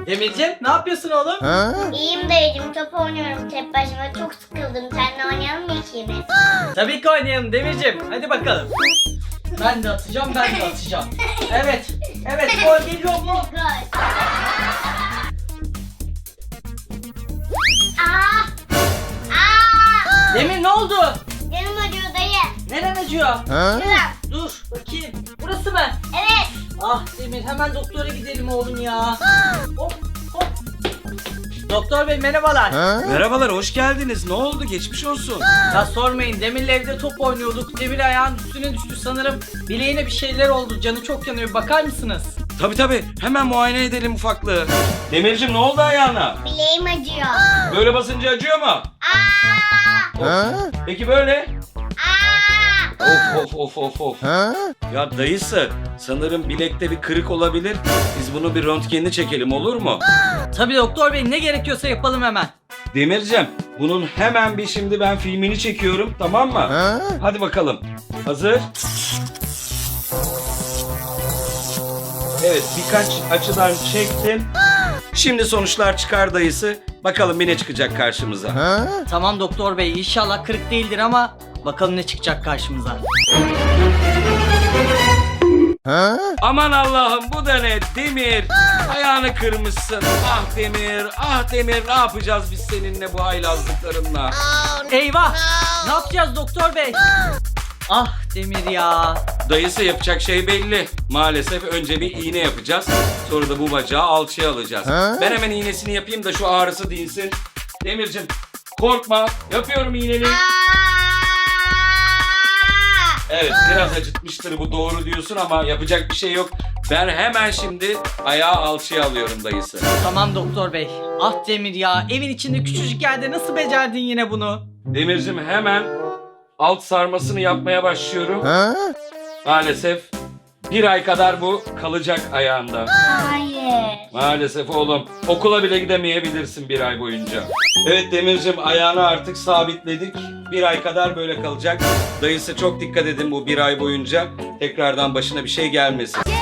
Demircim ne yapıyorsun oğlum? İyiyim dayıcım, top oynuyorum tek başıma, çok sıkıldım. Seninle oynayalım mı ikimiz? Tabii ki oynayalım Demircim. Hadi bakalım. Ben de atacağım, ben de atacağım. Evet, evet gol geliyor mu? Gol. Aa! Aa! Demir ne oldu? Canım acıyor dayı. Neren acıyor? Şuram. Dur bakayım. Burası mı? Evet. Ah Demir hemen doktora gidelim oğlum ya. Hop hop. Doktor bey merhabalar. Merhabalar, hoş geldiniz. Ne oldu? Geçmiş olsun. Ya sormayın, Demir'le evde top oynuyorduk. Demir ayağın üstüne düştü sanırım. Bileğine bir şeyler oldu. Canı çok yanıyor. Bakar mısınız? Tabii, hemen muayene edelim ufaklığı. Demircim ne oldu ayağına? Bileğim acıyor. Böyle basınca acıyor mu? Aa! Peki böyle? Aa! Of. Ya dayısı, sanırım bilekte bir kırık olabilir. Biz bunu bir röntgenini çekelim, olur mu? Tabii doktor bey, ne gerekiyorsa yapalım hemen. Demircim, bunun hemen bir şimdi ben filmini çekiyorum, tamam mı? Hadi bakalım. Hazır. Evet, birkaç açıdan çektim. Şimdi sonuçlar çıkar dayısı. Bakalım bir ne çıkacak karşımıza. Tamam doktor bey, inşallah kırık değildir ama bakalım ne çıkacak karşımıza. Aman Allah'ım, bu da ne? Demir, ayağını kırmışsın. Ah Demir, ne yapacağız biz seninle bu haylazlıklarınla? Eyvah! Ne yapacağız doktor bey? Ah Demir ya. Dayısı, yapacak şey belli. Maalesef önce bir iğne yapacağız. Sonra da bu bacağı alçıya alacağız. Ben hemen iğnesini yapayım da şu ağrısı dinsin. Demircim, korkma. Yapıyorum iğneni. Evet, biraz acıtmıştır, bu doğru diyorsun ama yapacak bir şey yok. Ben hemen şimdi ayağı alçıya alıyorum dayısı. Tamam doktor bey. Ah Demir ya, evin içinde küçücük yerde nasıl becerdin yine bunu? Demircim, hemen alt sarmasını yapmaya başlıyorum. Maalesef bir ay kadar bu kalacak ayağında. Hayır. Maalesef oğlum. Okula bile gidemeyebilirsin bir ay boyunca. Evet Demircim, ayağını artık sabitledik. Bir ay kadar böyle kalacak. Dayısı çok dikkat edin bu bir ay boyunca. Tekrardan başına bir şey gelmesin.